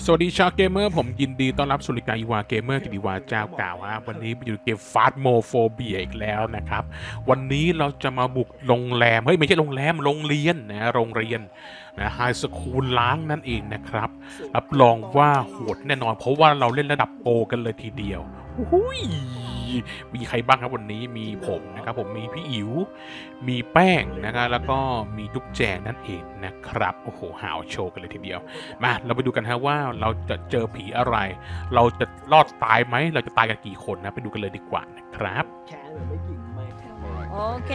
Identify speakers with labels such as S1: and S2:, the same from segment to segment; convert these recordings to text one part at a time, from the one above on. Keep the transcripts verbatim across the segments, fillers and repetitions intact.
S1: สวัสดีชาวเกมเมอร์ผมยินดีต้อนรับสู่รายการอีวาเกมเมอร์กิติวาเจ้าเก่าฮะวันนี้อยู่เกมฟาสโมโฟเบียอีกแล้วนะครับวันนี้เราจะมาบุกโรงแรมเฮ้ยไม่ใช่โรงแรมโรงเรียนนะโรงเรียนนะไฮสคูลล้างนั่นเองนะครับรับรองว่าโหดแน่นอนเพราะว่าเราเล่นระดับโปรกันเลยทีเดียวหุยมีใครบ้างครับวันนี้มีผมนะครับผมมีพี่อิ๋วมีแป้งนะครับแล้วก็มีจุ๊บแจงนั่นเองนะครับโอ้โหหาวโชว์กันเลยทีเดียวมาเราไปดูกันฮะว่าเราจะเจอผีอะไรเราจะรอดตายไหมเราจะตายกันกี่คนนะไปดูกันเลยดีกว่านะครับ
S2: แขนเหมือนไม่กิ่งไม่
S3: โอเค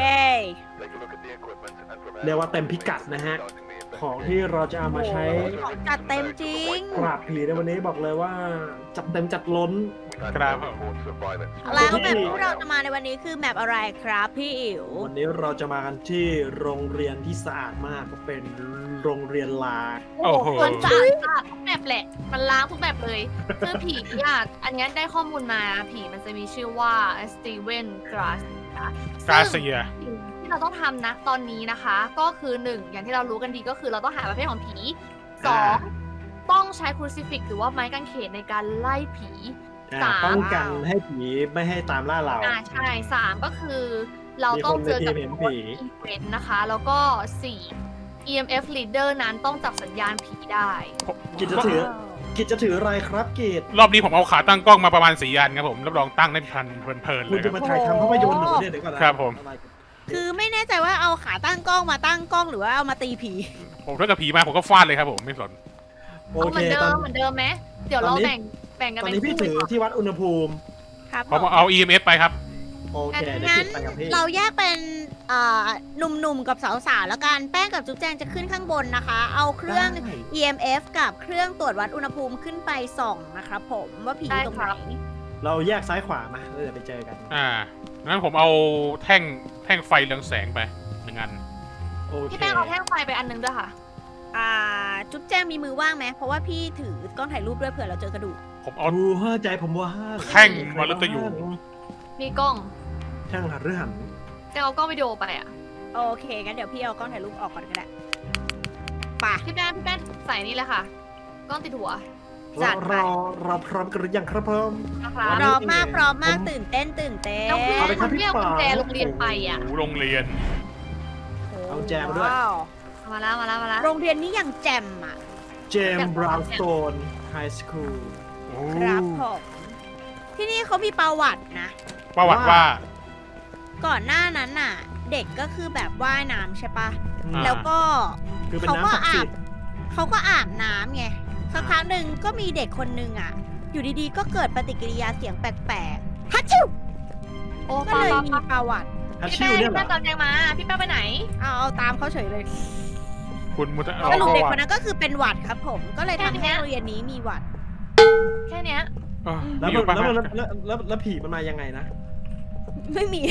S2: เรียกว่าเต็มพิกัดนะฮะ ของที่เราจะเอามาใช้
S3: ของจัดเต็มจริง
S2: ปราบผีในวันนี้บอกเลยว่าจัดเต็มจัดล้น
S1: ครับ
S3: แล้วแบบที่เราจะมาในวันนี้คือแมปอะไรครับพี่อิ๋ว
S2: วันนี้เราจะมากันที่โรงเรียนที่สะอาดมากก็เป็นโรงเรียนลา
S1: โอ้โห
S4: มันสะอาดสะอาดทุกแบบแหละ มันล้างทุกแบบเลย คือผีอ่ะ อันนี้ได้ข้อมูลมา ผีมันจะมีชื่อว่าสตีเวนกราส
S1: กาเซีย
S4: ที่เราต้องทำนะตอนนี้นะคะ ก็คือหนึ่งอย่างที่เรารู้กันดีก็คือเราต้องหาประเภทของผีสองต้องใช้ครูซิฟิกหรือว่าไม้กางเขนในการไล่ผี สาม
S2: ป้องกันให้ผีไม่ให้ตามล่าเรา
S4: อ่าใช่สามก็คือเราต้องเจอกับ
S2: มีคนในทีมเห็นผี
S4: อีเวนต์นะคะ แล้วก็สี่ อี เอ็ม เอฟ leader นั้นต้องจับสัญญาณผีได้
S2: กิจจะถือ กิจจะถืออะไรครับกิจ
S1: รอบนี้ผมเอาขาตั้งกล้องมาประมาณสี่อันครับผมรับรองตั้งได้พันเพลินๆ
S2: คุ
S1: เล
S2: ณ
S1: ยค
S2: จะ
S1: รับ
S2: มาถ่ายทำภาพยนตร์หรือเนี่ยเดี๋ยวก่อนนะครับ
S1: ผม
S3: คือไม่แน่ใจว่าเอาขาตั้งกล้องมาตั้งกล้องหรือว่าเอามาตีผี
S1: ผมถ้ากับผีมาผมก็ฟาดเลยครับผมไม่สน
S2: โอ
S4: เอาเห
S2: เค
S4: มือนเดิ
S2: ตอน
S4: มเหมือนเดิมไหมเดี๋ยวเรา
S2: ตอนนี้
S4: แบ่งแบ่งกัน
S2: ตอน
S4: เป็น
S2: นี้พี่
S4: คู่
S2: ถือ
S4: ก่อน
S2: ที่วัดอุณหภูมิ
S3: ครับ
S1: ผมเอา อี เอ็ม เอส ไปครับ
S2: โอเคเดี๋ยว
S3: งั้
S2: กิ
S3: น
S2: จไปกับพี่
S3: เราแยกเป็นเอ่อหนุ่มๆกับสาวๆแล้วกันแป้งกับจุ๊บแจงจะขึ้นข้างบนนะคะ เอาเครื่อง
S2: ได้
S3: อี เอ็ม เอฟ กับเครื่องตรวจวัดอุณหภูมิขึ้นไปส่องนะครับผมว่าผีอยู่ตรงไหน
S2: เราแยกซ้ายขวามาแล้วเดี๋ยวไปเจอกัน
S1: อ่างั้นผมเอาแท่งแท่งไฟเรืองแสงไปหนึ่งอัน
S2: โอเค
S4: พี่แป้งเอาแท่งไฟไปอันนึงด้วยค่ะ
S3: อ่าจุ๊บแจงมีมือว่างไหมเพราะว่าพี่ถือกล้องถ่ายรูปด้วยเผื่อเราเจอกระดูก
S1: ผมเอา
S2: ดูหัวใจผมว่า
S1: แท่งมรตยู
S4: มีกล้อง
S2: แท่งหันหรือหัน
S4: จะเอากล้องวิดีโอไปอ่ะ
S3: โอเคงั้นเดี๋ยวพี่เอากล้องถ่ายรูปออกก่อนก็ได้ป่ะ
S4: พี่แป้งพี่แป้งใส่นี่เลยค่ะ กล้องติดหัว
S3: จั
S2: เรา
S3: ดไป
S2: เราเราพร้อมกันหรือยังครับผม
S4: นะคะ
S2: วัน
S3: พ
S2: นี้
S3: ร้อมมากพร้อมมาก
S2: ผม
S3: ตื่นเต้นตื่นเต้น
S4: แล้วพี่
S2: เอาไปครับ
S4: คุณ
S2: พี่
S4: เรียกกุญแจ
S2: ป๋า
S4: โรงเรียนไปอ่ะ
S1: โอ้โหโรงเรียน
S2: เอาแจมด้วย
S3: ว้าว
S4: มาแล้วมาแล้วมาแล้ว
S3: โรงเรียนนี้อย่างแจ่มอ่ะ
S2: เจมส์บราวน์สโตนไฮสคูล
S3: ครับผมที่นี่เขามีประวัตินะ
S1: ประวัติว่า
S3: ก่อนหน้านั้นน่ะ เด็กก็คือแบบว่ายน้ำใช่ปะ
S1: อ่า
S3: แล้วก็
S2: คือเป็น
S3: เขาก็
S2: น้ำศักดิ์
S3: อา
S2: สิ
S3: บ
S2: ทธิ์
S3: เขาก็อาบน้ำไงสักครั้งหนึ่งก็มีเด็กคนหนึ่งอ่ะ อยู่ดีๆ ก็เกิดปฏิกิริยาเสียงแปลกๆฮัชชิว
S4: โอ้
S3: ก็
S4: ปา
S3: เลย
S4: ปา
S3: มี
S4: ปา
S3: ประวัติ
S2: ฮัช
S4: พี่
S2: ชิ
S4: แป้
S2: ว
S4: ง
S2: เนี่ย
S4: พี่
S2: เหร
S4: แป้
S2: อง
S4: ตอนแจงมา พี่แป้งไปไหน
S3: เอาเอาตามเขาเฉยเลย
S1: คุณมุต
S3: ส
S1: เอา
S3: รุป
S1: ประ
S3: เด็ก
S1: วั
S3: คน
S1: ติ
S3: นั้นก็คือเป็นหวัดครับผม ก็เลยทำ
S4: แค่
S3: ให้
S4: เนี้ย
S3: โรงเรียนนี้มีหวัด
S4: แค่เนี้ย
S1: เออ
S2: แล้ว
S1: มี
S2: มัน
S1: ปะ
S2: แล้วมันแล้วแล้วแล้วผีมันมายังไงนะ
S3: ไม่มี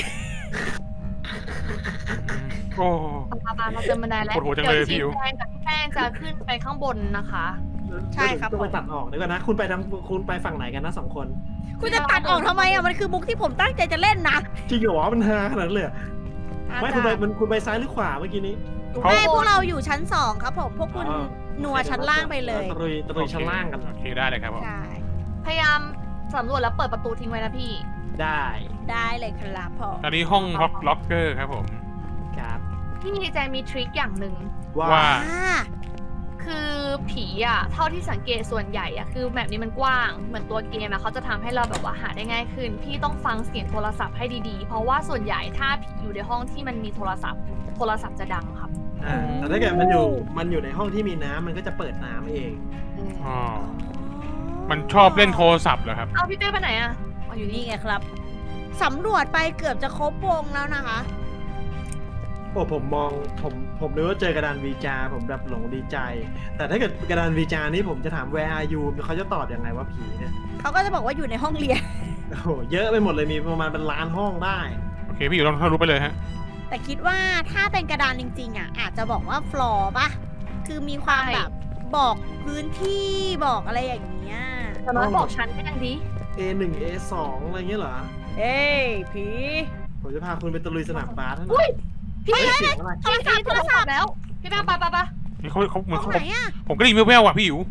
S1: โอ้
S4: ปาปาเราเจอบันไดแล้ว
S1: ปวดหัวจังเลย
S4: ดี๋
S1: พี่อิ๋ว
S4: แจงกับพี่แป้งจะขึ้นไปข้างบนนะคะ
S3: ใช่ครับ
S2: ต้องไปตัดออกเดี๋ยวก่อนนะ คุณไปทางคุณไปฝั่งไหนกันนะสองคน
S3: คุณจะตัดออกทำไมอ่ะ มันคือมุกที่ผมตั้งใจจะเล่นนะ
S2: จริงเหรอมันฮาขนาดนั้นเลยเหรอไม่คุณไปมันคุณไปซ้ายหรือขวาเมื่อกี้นี้
S1: เขา
S3: ไม่พวกเราอยู่ชั้นสองครับผม พวกคุณ
S2: อ๋อ
S3: นัวชั้นล่างไปเลย
S2: ตะลุยตะลุยชั้นล่างกัน
S1: โอเคได้เลยครับผม
S3: ใช่
S4: พยายามสำรวจแล้วเปิดประตูทิ้งไว้นะพี่
S2: ได้
S3: ได้เลยครับผม
S1: อันนี้ห้องล็อกล็อกเกอร์ครับผม
S2: ครับ
S4: พี่แจงมีทริคอย่างหนึ่ง
S2: ว่า
S1: ว่า
S3: อ่า
S4: คือผีอ่ะ เท่าที่สังเกตส่วนใหญ่อ่ะ คือแบบนี้มันกว้าง เหมือนตัวเกมอ่ะเขาจะทำให้เราแบบว่าหาได้ง่ายขึ้น พี่ต้องฟังเสียงโทรศัพท์ให้ดีๆ เพราะว่าส่วนใหญ่ถ้าผีอยู่ในห้องที่มันมีโทรศัพท์ โทรศัพท์จะดังครับ
S2: อ่าแต่ถ้าเกิดมันอยู่มันอยู่ในห้องที่มีน้ำมันก็จะเปิดน้ำเอง
S1: อ๋อ มันชอบเล่นโทรศัพท์เหรอครับ
S4: เอาพี่เป้ไปไหนอ่ะอ๋ออยู่
S3: นี่
S4: นี่
S3: ไงครับ สำรวจไปเกือบจะครบวงแล้วนะคะ
S2: โอ้ผมมองผมผมนึกว่าเจอกระดานวีจาผมแบบหลงดีใจ แต่ถ้าเกิดกระดานวีจานี่ผมจะถาม where are you เขาจะตอบยังไงว่าผีเนี่ย
S3: เขาก็จะบอกว่าอยู่ในห้องเรียน
S2: โอ้โหเยอะไปหมดเลยมีประมาณเป็นล้านห้องได้
S1: โอเคพี่อยู่ต้องทะลุไปเลยฮะ
S3: แต่คิดว่าถ้าเป็นกระดานจริงๆอ่ะ อาจจะบอกว่าฟลอร์ปะคือมีความแบบบอกพื้นที่บอกอะไรอย่างเงี้ย
S4: แต่น้อยบอกฉันก็ยังดี
S2: เอ หนึ่ง เอ สอง อะไรเงี้ยเหรอ
S3: เอ้ยผี
S2: ผมจะพาคุณไปตะลุยสนามบาสนะ
S4: อุ้ย พี่
S2: เฮ้ยเสียงอะไร
S3: โทรศัพท์โทรศัพท์
S4: แล้ว พี่แป้งไปไปไป
S1: นี่เขาเขาเหมือน
S3: ห้อง
S1: เขา
S3: ไหนอ่ะ
S1: ผมก็ได้ยินแว่วๆว่ะพี่อิ๋ว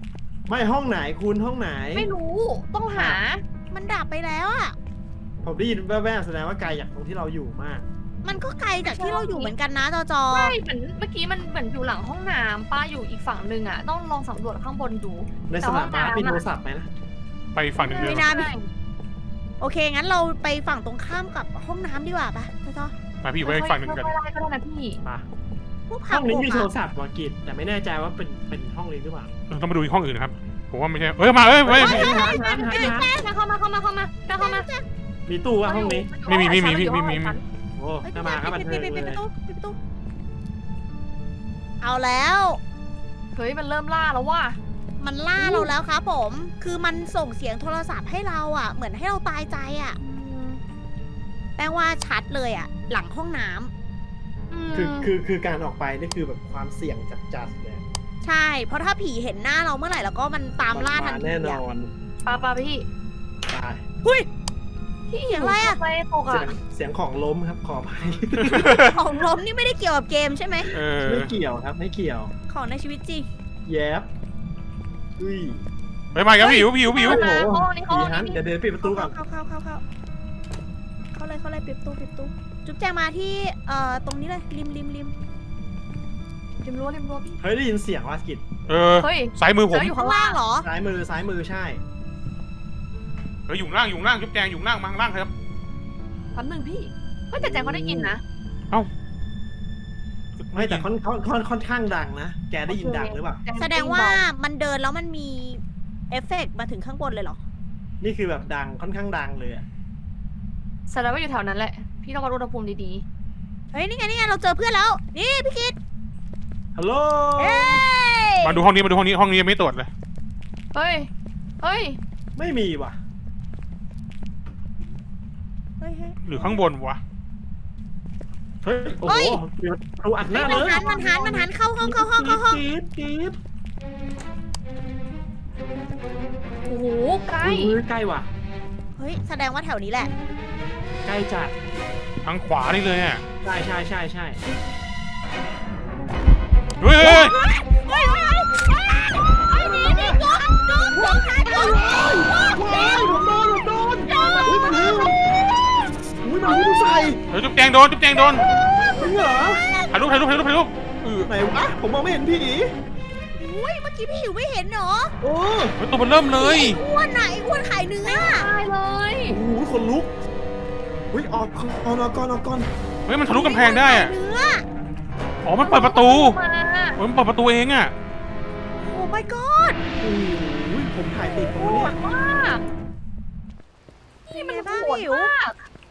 S2: ไม่ห้องไหนคุณห้องไหน
S4: ไม่รู้ต้องหา
S3: มันดับไปแล้วอ่ะ
S2: ผมได้ยินแว่วๆแสดงว่าไกลจากตรงที่เราอยู่มาก
S3: มันก็ไกลจากที่เราอยู่เหมือนกันนะจอจอ
S4: ใช่เหมือนเมื่อกี้มันเหมือนอยู่หลังห้องน้ำป้าอยู่อีกฝั่งหนึ่งอ่ะต้องลองสำรวจข้างบนดู
S2: ในสนามบาสมีโทรศัพท์ไหมนะ
S1: ไปฝั่งหนึ่งเดียว
S3: ไม่น่ามี โอเค งั้นเราไปฝั่งตรงข้ามกับห้องน้ำดีกว่าปะจอจอ
S1: มาพี่อยู่ไปฝั่งหนึ่งกัน
S4: ไม่ได้ก็ได้นะพี่
S2: มา
S3: พวก
S2: ห้
S3: ผั
S2: อก งนี้มี
S3: ผม
S2: โทร
S3: อะ
S2: ศัพท์วากิจแต่ไม่แน่ใจว่าเป็นเป็นห้องนี้หรือเปล่า
S1: ต้องมาดูอีกห้องอื่นนะครับผมว่าไม่ใช่เอ้ยมาเอ้ยเอ้ย
S2: เฮ้ยหาหาหาหา
S4: แม่เข้ามาเข้ามาเข้ามาเข้ามา
S2: มีตู้ว่าห้องนี้
S1: ไม่มีไม่มีไม่มีไม่มี
S2: โอ้
S3: เฮ้ย
S2: น่ามาครับบัน
S3: ปิ
S2: เทิ
S3: ด
S2: ง
S3: ปิด
S2: เล
S3: ปิด
S2: ย
S3: ประตูปิดประตู เอาแล้ว
S4: เฮ้ยมันเริ่มล่าแล้วว่ะ
S3: มันล่าเราแล้วครับผม คือมันส่งเสียงโทรศัพท์ให้เราอ่ะ เหมือนให้เราตายใจอ่ะ แปลว่าชัดเลยอ่ะ หลังห้องน้ำ
S2: คือคือคือการออกไปนี่คือแบบความเสี่ยงจัดๆเลย
S3: ใช่ เพราะถ้าผีเห็นหน้าเราเมื่อไหร่แล้วก็มันตามล่าทันที
S2: แน่น
S3: อะ
S2: อน
S4: ปาปาพี่
S2: ตาย
S3: หุ้ย
S4: พี่
S3: เสียงอะไรอะ
S4: ไปตก
S2: เสีย
S4: อ่ะ
S2: งเสียงของล้มครับขออภัย
S3: ของล้มนี่ไม่ได้เกี่ยวกับเกมใช่ไหม
S1: เออ
S2: ไม่เกี่ยวครับไม่เกี่ยว
S3: ของในชีวิตจริง
S2: แยบอุ้ย
S1: ไปมาครับพี่หิวพี่หิวพี่หิว
S2: โอ้โห
S4: ห้องนี้ห้
S2: ผี
S4: อง
S2: ฮัน
S4: นี้
S2: เดี๋ยวเดินปิดประตูก่
S3: เข้า
S2: อน
S3: เข้าเข้าเข้าเข้าเข้าเลยเข้าเลยปิดประตูปิดประตู จุ๊บแจงมาที่เอ่อตรงนี้เลยริมริมริม
S4: ริมรั้วริมรั้วพี่
S2: เฮ้ยได้ยินเสียงวากิจ
S1: เออ
S4: เฮ้ย
S1: ซ้ายมือผม
S4: แล้วอยู่
S3: ข้างล่างเหรอ
S2: ซ้ายมือซ้ายมือใช่
S1: เอออยู่ข้างล่างอยู่ข้างล่างจุ๊บแจงอยู่ข้างล่างมาข้างล่างครับ
S4: แป๊บนึงพี่เฮ้ยแต่แจงเขาได้ยินนะ
S2: ไม่แต่ค่อนค่อนค่อนค่อนข้างดังนะ แกได้ยินดังหรือเปล่า
S3: แสดงว่ามันเดินแล้วมันมีเอฟเฟกต์มาถึงข้างบนเลยเหรอ
S2: นี่คือแบบดังค่อนข้างดังเลยอะ
S4: แสดงว่าอยู่แถวนั้นแหละ พี่ต้องวัดอุณหภูมิดี
S3: เฮ้ยนี่ไงนี่ไงเราเจอเพื่อนแล้ว นี่พี่คิด
S2: ฮัลโหล
S3: เอ้ย
S1: มาดูห้องนี้มาดูห้องนี้ห้องนี้ยังไม่ตรวจเลย
S4: ๆ เฮ้ย เฮ้ย
S2: ไม่มีว่ะ
S3: เฮ้ยเฮ้ย
S1: หรือข้างบนวะ
S2: เฮ้ย โอ้
S3: เฮ้
S2: โห
S3: ย
S2: เดี๋ยวเราอัดห
S3: เฮ้
S2: น้าย เล
S3: มัน
S2: ย
S3: หันมันหันมันหันเข้าห้องเข้าห้องเข้าห้อง
S2: กรี๊ดกรี๊ด
S4: โอ้โหใกล้
S2: อุ้ยใกล้ว่ะ
S3: เฮ้ยแสดงว่าแถวนี้แหละ
S2: ใกล้จัด
S1: ทางขวานี่เลยอ่ะ
S2: ใช่ใช่ใช่ใช่
S1: เฮ้ยเฮ้ยเฮ้ย
S3: เฮ้ยเฮ้ยเฮ้ยหนีหนีจุ๊บจุ๊บจุ๊บหายจุ๊บ
S2: ว้ายผมโดนผมโดนอุ้ยมันหิวอุ้ยมันหิวใส่
S1: เฮ้ยจุ๊บแจงโดนจุ๊บแจงโดน
S2: จริงเหรอ
S1: ถ่ายรูปถ่ายรูปถ่ายรูปถ่ายรูปเออ
S2: ไหนวะผมมองไม่เห็นผี
S3: อุ้ยเมื่อกี้พี่หิวไม่เห็นเหรอ
S2: โอ้
S1: เฮ้ยตัวมันเริ่มเลย
S3: ไอ้อ้วนไหนะไอ้อ้วนขายเนื้อ
S4: ตายเลย
S2: โหคนลุกอุ้ยออกออกออกก่อนออกก่อน
S1: เฮ้ยมันทะลุกำแพงได้อะ
S3: เนื้อ
S1: อ๋อมันเปิดประตู
S4: มา
S1: เฮ้ยมันเปิดประตูเองอ่ะ
S3: โอ้ my god
S2: โอ้ยผมถ่ายติดผม
S4: โห
S2: เนี่ย
S4: ดมาก
S3: นี่มัน
S4: โห
S3: บ้า
S4: ด
S3: หิว
S4: มาก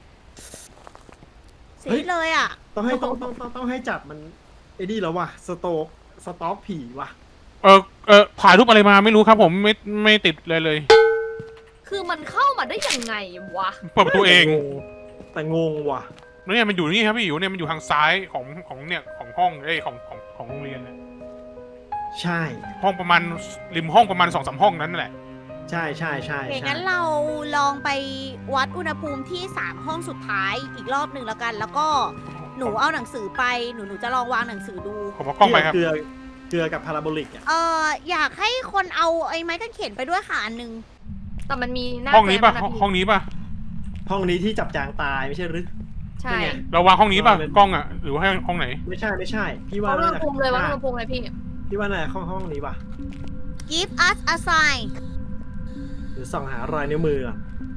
S3: สีดเลยอ่ะ
S2: ต้องให้ต้องต้องต้องต้องให้จับมันไอ้นี่แล้วว่ะสโตกสต็อปผีว่ะ
S1: เออเออถ่ายรูปอะไรมาไม่รู้ครับผมไม่ไม่ติดเลยเลย
S4: คือมันเข้ามาได้ยังไงวะ
S1: เปิดประตูเอง
S2: แต่งงว่ะ
S1: เนี่ยมันอยู่นี่ครับพี่อยู่เนี่ยมันอยู่ทางซ้ายของของเนี่ยของห้องเอ้ยของของของโรงเรียนเนี่ย
S2: ใช่
S1: ห้องประมาณริมห้องประมาณสองสามห้องนั้นแหละ
S2: ใช่ใช่ใช่
S3: โอเค
S2: ใช่
S3: งั้นเราลองไปวัดอุณหภูมิที่สามห้องสุดท้ายอีกรอบหนึ่งแล้วกัน แล้วก็หนูเอาหนังสือไป หนูหนูจะลองวางหนังสือดู
S1: ผมเอากล้องไปครับ
S2: เกลือเกลือกับพาราโบลิกอ่ะ
S3: เอ่ออยากให้คนเอาไอ้ไม้กางเขนไปด้วยค่ะอันหนึง
S4: แต่มันมีหน้า
S1: ห้องนี้ป่ะ
S4: แจม
S1: ห้อง
S4: พี่
S1: ห้องนี้ป่ะ
S2: ห้องนี้ที่จับจางตายไม่ใช่หรือ
S4: ใช่
S2: เป็นไง
S1: เราวางห้องนี้ป่ะกล้องอ่ะหรือว่าให้ห้องไหน
S2: ไม่ใช่ไม่ใช่ พี่ว่า
S4: วัดอุณ
S2: น่า
S4: ห
S2: จะ
S4: ภูมิเลยวัดอุณหภูมิเลยพี่
S2: พี่ว่าน่าจะห้องห้องนี้ว่ะ
S3: give us a sign
S2: หรือส่องหารอยนิ้วมืออ่ะ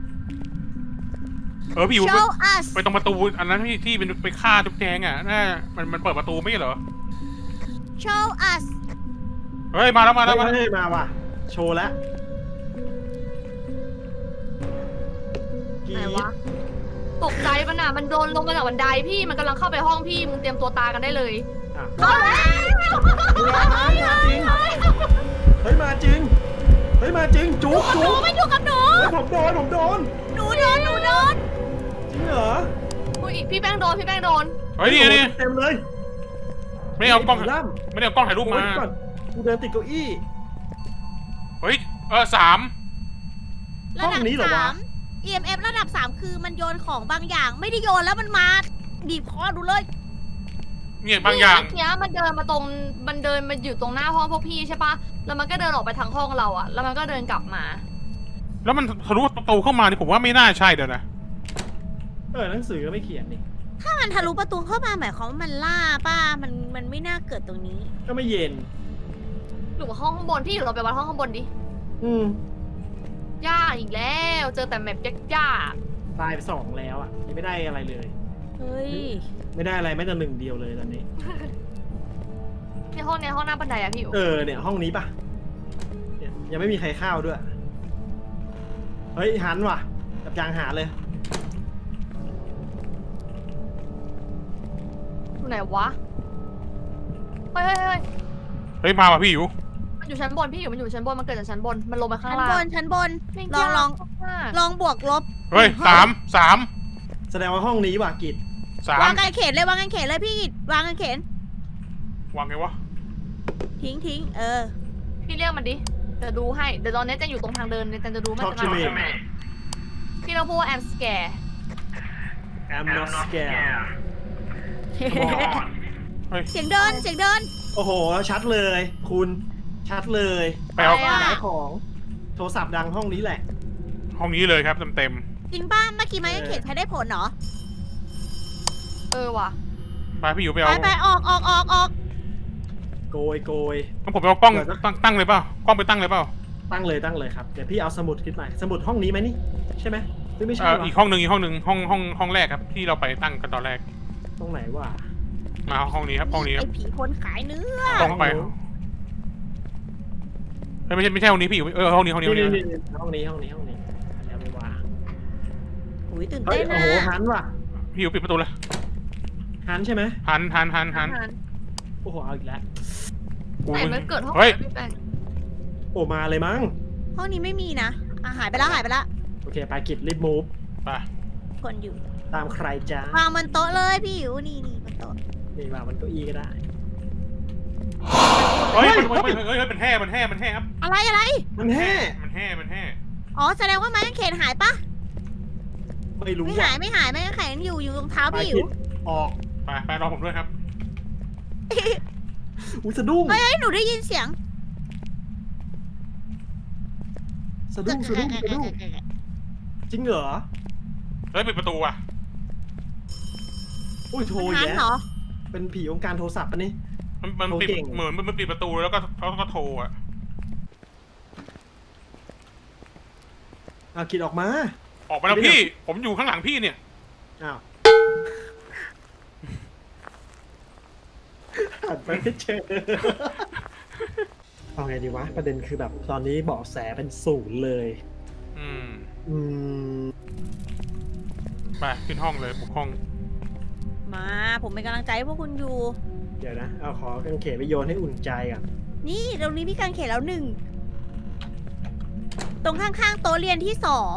S1: เออพี่อยู่ไป
S3: show us
S1: ไปตรงประตูอันนั้นที่ที่เป็นไปฆ่าจุ๊บแจงอ่ะน่ามันมันเปิดประตูไม่ใช่เหรอ
S3: show us
S1: เฮ้ยมาแล้วมาแล้วมาแล้ว
S2: เฮ้ยมาว่ะ โชว์แล้วกรี๊
S4: ไหน
S2: ด
S4: วะ ตกใจมันอ่ะ มันโดนลงมาจากบันไดพี่ มันกำลังเข้าไปห้องพี่ มึงเตรียมตัวตายกันได้เลย
S2: อ่ะ
S3: เข้าแล้ว
S2: เฮ้ยมาจริง เฮ้ยมาจริง จุ๊บ
S3: หนู
S2: จุ๊บ
S3: มันอยู่กับหนู
S2: เฮ้ยผมโดนผมโดน
S3: หนูโดนหนูโดน
S2: จริงเหรอ
S4: อุ้ยพี่แป้งโดน พี่แป้งโดน
S1: เฮ้ยนี่นี่
S2: เต็มเลย
S1: ไม่ได้เอากล้อง
S2: ล่
S1: ไม่ได้เอากล้องถ่ายรูป
S2: ำ
S1: มา
S2: ก่อนกูเดินติดเก้าอี้
S1: เฮ้ยเออสาม
S3: ระ
S2: ห้
S3: ดั
S2: อบ งนี้เหรอวะ
S3: สาม อี เอ็ม เอฟ ระดับสามคือมันโยนของบางอย่าง ไม่ได้โยนแล้วมันมาบีบคอดูเลย
S1: เนี่ยบางอย่าง
S4: เมื่อกี้มันเดินมาตรงมันเดินมาอยู่ตรงหน้าห้องพวกพี่ใช่ปะแล้วมันก็เดินออกไปทางห้องเราอะแล้วมันก็เดินกลับมา
S1: แล้วมันทะลุประตูเข้ามานี่ผมว่าไม่น่าใช่เดี๋ยวนะ
S2: เออหนังสือก็ไม่เขียนนี่
S3: ถ้ามันทะลุประตูเข้ามาหมายความว่ามันล่าป้ามันมันไม่น่าเกิดตรงนี้
S2: ก็ไม่เย็น
S4: หรือว่าห้องข้างบนพี่อยู่เราไปวัดห้องข้างบนดิ
S2: อืม
S4: ยากอีกแล้วเจอแต่แมปยาก
S2: ตายไปสองแล้วอ่ะยังไม่ได้อะไรเลย
S3: เฮ้ย
S2: ไม่ได้อะไรแม้แต่หนึ่งเดียวเลยตอนนี้
S4: ๆในห้องเนี้ยห้องหน้าบันไดอะพี่อยู่
S2: เออเนี่ยห้องนี้ปะเนี่ยยังไม่มีใครเข้าด้วย เฮ้ยหันว่ะจับยางหาเลย
S4: อยู่ไหนวะเฮ้ยเฮ้ยเฮ้ย
S1: เฮ้ยมาว่ะพี่อยู่
S4: มันอยู่ชั้นบนพี่อยู่มันอยู่ชั้นบนมันเกิดจากชั้นบนมันลงมาข้าง
S3: ชั้น
S4: ล่าง
S3: บนชั้นบน
S4: แม่ง
S3: ลอง
S4: ยาก
S3: ลอง
S4: มาก
S3: ลองบวกลบ
S1: เฮ้ยสามสาม
S2: แสดงว่าห้องนี้ว่ะกิจ
S1: สาม
S3: วางกันเขนเลยวางกันเขนเลยพี่วางกันเขน
S1: วางไงวะ
S3: ทิ้งทิ้งเออ
S4: พี่เรียกมันดิจะดูให้เดี๋ยวตอนนี้จะอยู่ตรงทางเดินเนี่ยจะดูมัน
S2: Talk
S4: จะ
S2: to me
S4: พี่เราพูดว่า I'm scared
S2: I'm not scared
S3: เสียงเดินเสียงเดิน
S2: โอ้โหชัดเลย คุณชัดเลย
S1: ไปเอา
S3: ไปอะ
S2: ย้ายของโทรศัพท์ดังห้องนี้แหละ
S1: ห้องนี้เลยครับเต็มเต็ม
S3: จริงป้าเมื่อกี้ไม้กางเขนใช้ได้ผลเหรอ
S4: เออว่ะ
S1: ๆไปพี่อยู่ไป
S3: ไป
S1: เอา
S3: ไปออกออกออกออก
S2: โกยโกย
S1: งั้นผมไปเอากล้อง
S2: เดี๋ยวจะ
S1: ตั้งตั้งเลยเปล่ากล้องไปตั้งเลยเปล่า
S2: ตั้งเลยตั้งเลยครับ เดี๋ยวพี่เอาสมุดขึ้นมาสมุดห้องนี้ไหมนี่ ใช่ไหมหรือไม่ใช่
S1: เอ่อ
S2: วะ
S1: อีกห้องหนึ่งอีกห้องหนึ่งห้องห้องห้องแรกครับที่เราไปตั้งกันตอนแรก
S2: ตรงไหนวะ
S1: มาห้องนี้ครับห้องนี้ค
S3: ไอ
S1: รับ
S3: ผีคนขายเนื้อ
S1: ตรงไปเฮ้ยไม่ใช่ไม่ใช่ห้องนี้พี่อยู่เออห้องนี้ห้องนี้ห้อง
S2: นี่
S1: นี้
S2: นี่นี่ห้องนี้ห้องนี้ห้องนี้อย่าไปวาง
S3: อุ้ยตื่น
S2: เฮ้ย
S3: เต้น
S2: โอ้
S3: นะ
S2: โหหันว่ะ
S1: พี่อยู่ปิดประตูเลย
S2: หันใช่ไหม
S1: หันหันหันหัน
S2: โอ้โหเอาอีกแล้ว
S4: ไหนมันเกิดห้อง
S1: เฮ้ย
S4: ไหนพี่แป้ง
S2: โอ้มาเลยมั้ง
S3: ห้องนี้ไม่มีนะอ่ะหายไปแล้วหายไปแล้ว
S2: โอเคไปกิจรีบมูฟ
S1: ไป
S3: คนอยู่
S2: ตามใครจ้าว
S3: างบนโต๊ะเลยพี่อยู่นี่นี่บนโต๊ะ
S2: นี่วางบนเก้าอี้ก็ได้
S1: เฮ้ย
S2: เฮ้ย
S1: มันเฮ้ยเฮ้ยเฮ้ยมันแห่มันแห่มันแห่ครับ
S3: อะไรอะไร
S2: มันแห่
S1: มันแห่มันแห่
S3: อ๋อแสดงว่าไม้กางเขนหายปะ
S2: ไม่รู้
S3: ไม่
S2: ว่ะ
S3: หายไม่หายไม้กางเขนอยู่อยู่ตรงเท้า
S2: ไป
S3: พี่อ
S2: กิ
S3: ยู่
S2: จออก
S1: ไปไปรอผมด้วยครับ
S2: อุ้ยสะดุ้ง
S3: เฮ้ยเฮ้ยหนูได้ยินเสียง
S2: สะดุ้งสะดุ้งสะดุ้งจริงเหรอ
S1: เฮ้ยปิดประตูอ่ะ
S2: อุ้ยโทร
S3: มัน
S2: อีก
S3: หัน
S2: แล้ว
S3: เหรอ
S2: เป็นผีองค์การโทรศัพท์ปะนี่
S1: มันมันปิด
S2: โทรเก่ง
S1: เหมือนมันมันปิดประตูแล้วก็เขาก็โทรอ่ะ
S2: เอากิจออกมา
S1: ออกมาแล้วพี่ ผมอยู่ข้างหลังพี่เนี่ย
S2: อ้าวหันไปไม่เจอเอาไงดีวะ ประเด็นคือแบบตอนนี้เบาะแสเป็นศูนย์เลย
S1: อืม
S2: อืม
S1: ไปขึ้นห้องเลยบุกห้อง
S3: มาผมเป็นกำลังใจให้พวกคุณอยู่
S2: เดี๋ยวนะ เอาขอกางเขนไปโยนให้อุ่นใจก่อน
S3: นี่ตรงนี้มีกางเขนแล้วหนึ่งตรงข้างๆโต๊ะเรียนที่สอง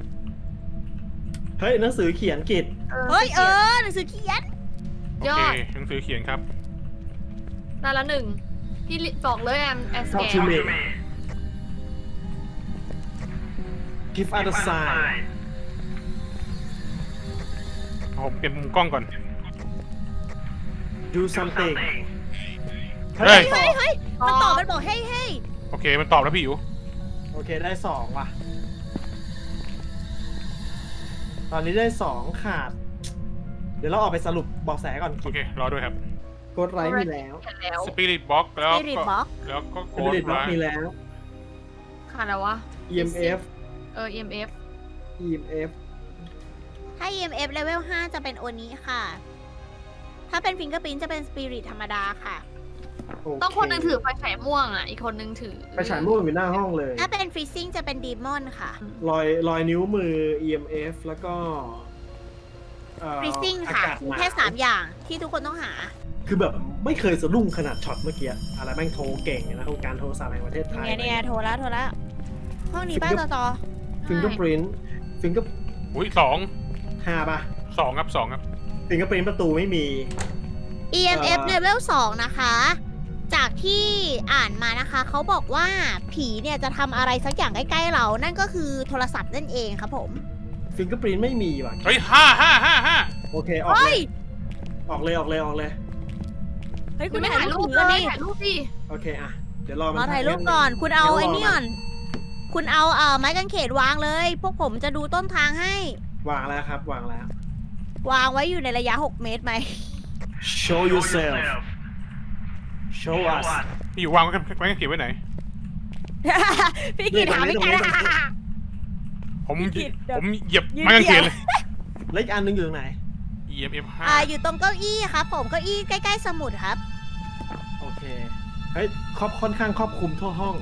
S2: เฮ้ยหนังสือเขียนกิจ
S3: เฮ้ยเออหนังสือเขียน
S1: โอเคหนังสือเขียนครับ
S4: นั่นละหนึ่งพี่บอกเลย I'm I'm
S2: เข้า
S4: scared
S2: ทูเม give us a sign
S1: ผมเปลี่ยนมุมกล้องก่อน
S2: do something
S1: เฮ้ย
S3: เฮ้ยเฮ้ยมันตอบมันบอกเฮ้ยเฮ้ย
S1: โอเคมันตอบแล้วพี่อยู่
S2: โอเคได้สองว่ะ ตอนนี้ได้สองขาด เดี๋ยวเราออกไปสรุปเบาะแสก่อน
S1: โอเครอด้วยครับ
S2: กดไลค์มีแล้ว
S4: เห็นแล้ว
S1: สปิริตบ็อกแล้ว
S3: สปิริต
S1: ก็
S3: บ็อก
S1: แล้วก็โก
S2: คอม
S1: ด
S2: มิชบล็อก
S1: ไล
S2: มี
S1: น์
S2: แล้ว
S4: ขาดอะไรวะ
S2: อี เอ็ม เอฟ
S4: เออ อี เอ็ม เอฟ
S2: อี เอ็ม เอฟ
S3: ถ้า อี เอ็ม เอฟ level ห้าจะเป็นโอนี้ค่ะ ถ้าเป็นฟิงเกอร์ i ิ t จะเป็นสปิริตธรรมดาค่ะ
S4: ต้องคนหนึงถือไฟฉายม่วงอ่ะ อีกคนหนึงถือ
S2: ไปฉายม่วงอยู่หน้าห้องเลย
S3: ถ้าเป็นฟรีซิ่งจะเป็นดีมอนค่ะ
S2: รอยรอยนิ้วมือ อี เอ็ม เอฟ แล้วก็เอ่อ
S3: ฟรีซิ่ง
S2: อา
S3: ค่ะ
S2: กาศหนาว
S3: แค่สามอย่างที่ทุกคนต้องหา
S2: คือแบบไม่เคยสะดุ้งขนาดช็อตเมื่อกี้ อะไรแม่งโทรเก่งนะองค์การโทรศัพท์แห่งประเทศไทย
S3: เนี่ยเนี่ยโทรแล้วโทรแล้ว ห้องนี้ป้าต่อต่อ
S2: ฟิงเกอร์ปรินต์ฟิงเกอร์
S1: อุ้ยสอง
S2: ห้าป่ะ
S1: สองครับสองครับ
S2: ฟิงเกอร์ปรินต์ประตูไม่มี
S3: อี เอ็ม เอฟ
S2: เอ่อ
S3: level สองนะคะ จากที่อ่านมานะคะ เขาบอกว่าผีเนี่ยจะทำอะไรสักอย่างใกล้ๆเรา นั่นก็คือโทรศัพท์นั่นเองครับผม
S2: ฟิงเกอร์ปรินต์ไม่มีว่ะ
S1: เฮ้ยห้าห้าห้าห้า
S2: โอเค ออก
S3: เฮ้
S2: เลย ย ออกเลยออกเลยออกเลย
S3: เฮ้ยคุ
S4: คุณ ณไม่
S3: ถ่า
S4: ถ่าย ย
S3: รู
S4: รู
S3: ป
S4: ป
S3: ถือ
S4: เล
S3: อัน
S4: ย
S3: นี้
S4: ถ่ายรูปดิ
S2: โอเคอะเดี๋ยวรอมัน
S3: รอถ่ายรูปก่อน คุณเอาไอ้นี่ก่อน คุณเอาเอ่อไม้กางเขนวางเลย พวกผมจะดูต้นทางให้
S2: วางแล้วครับวางแล้ว
S3: วางไว้อยู่ในระยะหกเมตรไหม
S2: show yourself show us
S1: พี่อยู่วางไว้กันไว้กันเก็บไว้ไหน
S3: พี่กีถามพี่กัน
S1: ผม
S3: พี่กิตเดี๋ยว
S1: ผมเหยียบ
S3: ยืน
S1: ไม้กางเขน
S3: เหยี
S1: เลย ย
S2: แล้วอีกอันหนึงอยู่ตรงไหน
S1: อี เอ็ม เอฟ ห้า
S3: อ่าอยู่ตรงเก้าอี้ครับ ผมเก้าอี้ใกล้ๆสมุดครับ
S2: โอเคเฮ้ยครอบค่อนข้างครอบคลุมทั่วห้อง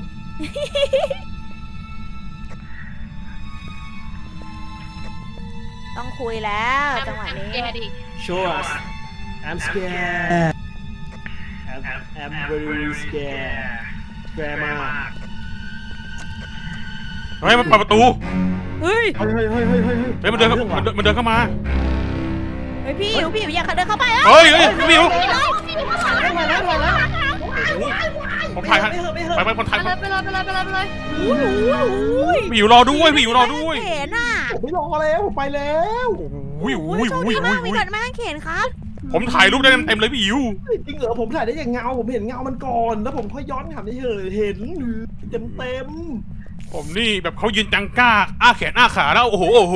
S3: ต้องคุยแล้วจังหวะนี้
S4: แกดิ
S2: show us I'm scared I'm, I'm very scared scared มาก
S1: เฮ้ยมันเปิดประตู
S3: เฮ้ย
S2: เฮ้ยเฮ้ยเฮ้ยเฮ้ยเฮ้ย
S1: เฮ้ยมันเดินเข้ามันเดินมันเดินเข้ามา
S3: เฮ้ยพี่อยู่พี่อยู่อย่าเดินเข้าไปอ่ะ
S1: เฮ้ยเฮ้ยพี่อยู่
S2: มาแล้วมาแล้ว
S1: ผมถ่ายให้
S2: ไม่เหอะไม่เห
S1: ไป
S2: อะ
S1: ไปคนถ่าย
S4: ไปเลยไปเลยไปเลยไปเลยไปเลย
S3: โอ้โหโอ้ย
S1: พี่อยู่รอด้วยพี่อยู่รอด้วย
S3: เห็นอ่ะ
S2: ผมไม่รอแล้วผมไปแล้ว
S1: อุ้ย
S3: โอ้
S1: อุ้ย
S3: โชค
S1: อุ้ย
S3: ดี
S1: อุ้
S3: มาย กมี
S1: อุ้ย
S3: ก่อนแม่เข็นครับ
S1: ผมถ่ายรูปได้เต็มๆเลยพี่อยู่
S2: จริงเหรอผมถ่ายได้อย่างเงาผมเห็นเงามันก่อนแล้วผมค่อยย้อนกลับไปเฉยเห็นเต็มเต็ม
S1: ผมนี่แบบเขายืนจังก้าอ้าแขนอ้าขาแล้วโอ้โหโอ้โห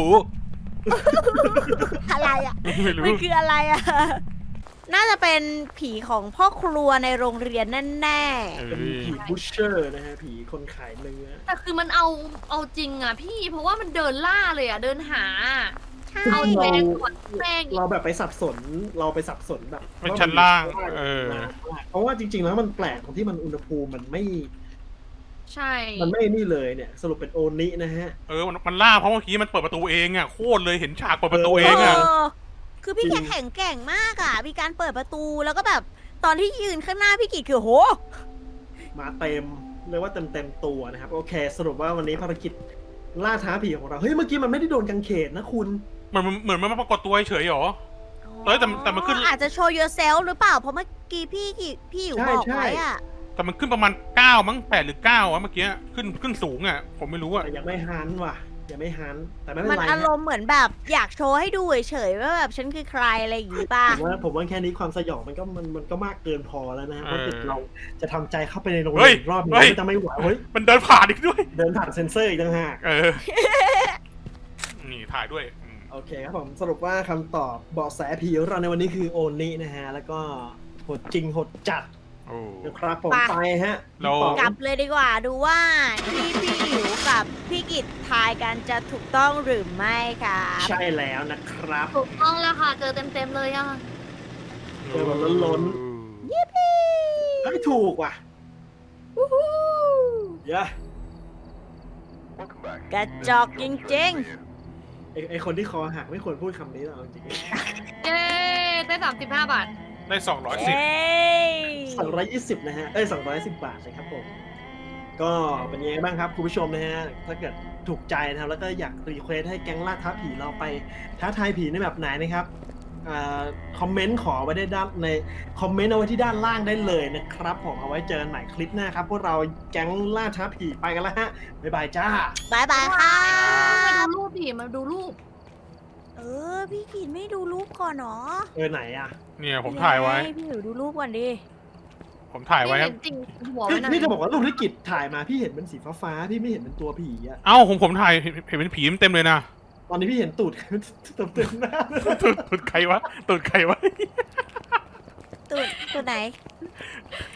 S3: อะไรอ่ะ
S1: ไม่รู้
S3: มันคืออะไรอ่ะ น่าจะเป็นผีของพ่อครัวในโรงเรียนแน่
S1: เอ
S2: เป็น
S1: อ
S2: ผีบูชเชอร์นะฮะผีคนขายเนื้อ
S4: แต่คือมันเอาเอาจริงอ่ะพี่เพราะว่ามันเดินล่าเลยอ่ะเดินหา
S3: ๆใช่
S4: เอาแรงก่อนแรงอีก
S2: เราแบบไปสับสนเราไปสับสนแบบ
S1: เป็นชั้นล่างเออ
S2: เพราะว่าจริง ๆ แล้วมันแปลกตรงที่มันอุณหภูมิมันไม่
S4: ใช่
S2: มันไม่นี่เลยเนี่ย สรุปเป็นโอนินะฮะ
S1: เออมันมันล่าเพราะเมื่อกี้มันเปิดประตูเองอ่ะโคตรเลยเห็นฉากเปิดประตูเองอ่ะ
S3: เออคือพี่
S2: จริ
S3: แก
S2: ง
S3: แข็งแกร่งมากอ่ะ มีการเปิดประตูแล้วก็แบบตอนที่ยืนข้างหน้าพี่กิจคือโห
S2: มาเต็มเรียกว่าเต็มเต็มๆตัวนะครับโอเค สรุปว่าวันนี้ภารกิจล่าท้าผีของเราเฮ้ยเมื่อกี้มันไม่ได้โดนกังเขนนะคุณ
S1: มันมันเหมือนมันมาปรากฏตัวเฉยๆหรอ เอ้ยแต่แต่มันขึ้น
S3: อาจจะโชว์ yourself หรือเปล่า เพราะเมื่อกี้พี่กิจพี่อยู่
S2: ใช่
S3: บอก
S2: ใช่
S3: ไว้อ่ะ
S1: แต่มันขึ้นประมาณเก้ามั้งแปดหรือเก้าอะเมื่อกี้ขึ้นขึ้นสูงอ่ะผมไม่รู้อ่ะ
S2: แต่ยังไม่ฮันว่ะยังไม่ฮันแต่ไม่เป็น
S3: มัน
S2: ไร
S3: อา
S2: ฮะ
S3: รมณ์เหมือนแบบอยากโชว์ให้ดูเฉยๆว่าแบบฉันคือใครอะไรอย่างงี้ป่ะ
S2: ผมว่าผมว่าแค่นี้ความสยองมันก็มันมันก็มากเกินพอแล้วนะฮะเพราะ
S1: เออ
S2: ติดเราจะทำใจเข้าไปในโรง
S1: เฮ้
S2: เรี
S1: ย
S2: ยนอีกรอบหนึง
S1: เฮ้ย
S2: ก็จะไม่ไหวเฮ้ย
S1: มันเดินผ่านอีกด้วย
S2: เดินผ่านเซ็นเซอร์อีกต่างหาก
S1: เออ นี่ถ่ายด้วยอืม
S2: โอเคครับผมสรุปว่าคำตอบเบาะแสผีของเราในวันนี้คือโอนินะฮะ แล้วก็โหดจริงโหดจัด
S1: โอ้
S2: นะครับผม
S3: ไป
S2: ไปฮะ
S1: เรา
S2: พี่ป๋อง
S3: กลับเลยดีกว่าดูว่าที่พี่หิวกับพี่กิจทายกันจะถูกต้องหรือไม่ครับ
S2: ใช่แล้วนะครับ
S4: ถูกต้องแล้วค่ะเจอเต็มเต็มๆเลยอ่ะ
S2: เออแบบล้น ไม่ถูกว่ะ
S3: วู้ฮู้
S2: เยอะ
S3: กระจอกจริง
S2: ไอไอคนที่คอหักไม่ควรพูดคำนี้หรอกจริง
S4: เย้ได้สามสิบห้าบาท
S1: ได้สองร้อย
S3: ๆ
S1: สิบ
S3: เอ้ย
S2: สองร้อยยี่สิบนะฮะ เอ้ยสองร้อยสิบบาทนะครับผม ก็เป็นยังไงบ้างครับคุณผู้ชมนะฮะ ถ้าเกิดถูกใจนะครับ แล้วก็อยากรีเควสให้แก๊งล่าท้าผีเราไปท้าทายผีในแบบไหนนะครับอ่าคอมเมนต์ขอไว้ได้ด้านในคอมเมนต์เอาไว้ที่ด้านล่างได้เลยนะครับผมเอาไว้เจอกันใหม่คลิปหน้าครับพวกเราแก๊งล่าท้าผีไปกันแล้วฮะ บ๊ายบายจ้า
S3: บายบายค่ะ
S4: มาดูรูปดิมาดูรูป
S3: เออ พี่กิจไม่ดูรูปก่อนเนาะ
S2: เออไหนอ่ะ
S1: เนี่ยผมถ่ายไว้
S3: พี่หิวดูรูปก่อนดิ
S1: ผมถ่ายไว้
S4: ไม่
S1: ครั
S4: เห็
S1: บ
S4: นจริงหัว
S2: พี่
S4: มันนะ
S2: พี่จะบอกว่ารูปที่กิจถ่ายมาพี่เห็นเป็นสีฟ้าๆพี่ไม่เห็นเป็นตัวผีอะ
S1: เอ้าผมผมถ่ายเห็นเห็นเป็นผีเต็มเลยนะ
S2: ตอนนี้พี่เห็นตูด เต็มเต็มหน้า
S1: ตูดตูดใครวะตูดใครวะ
S3: ตัวตัวไหน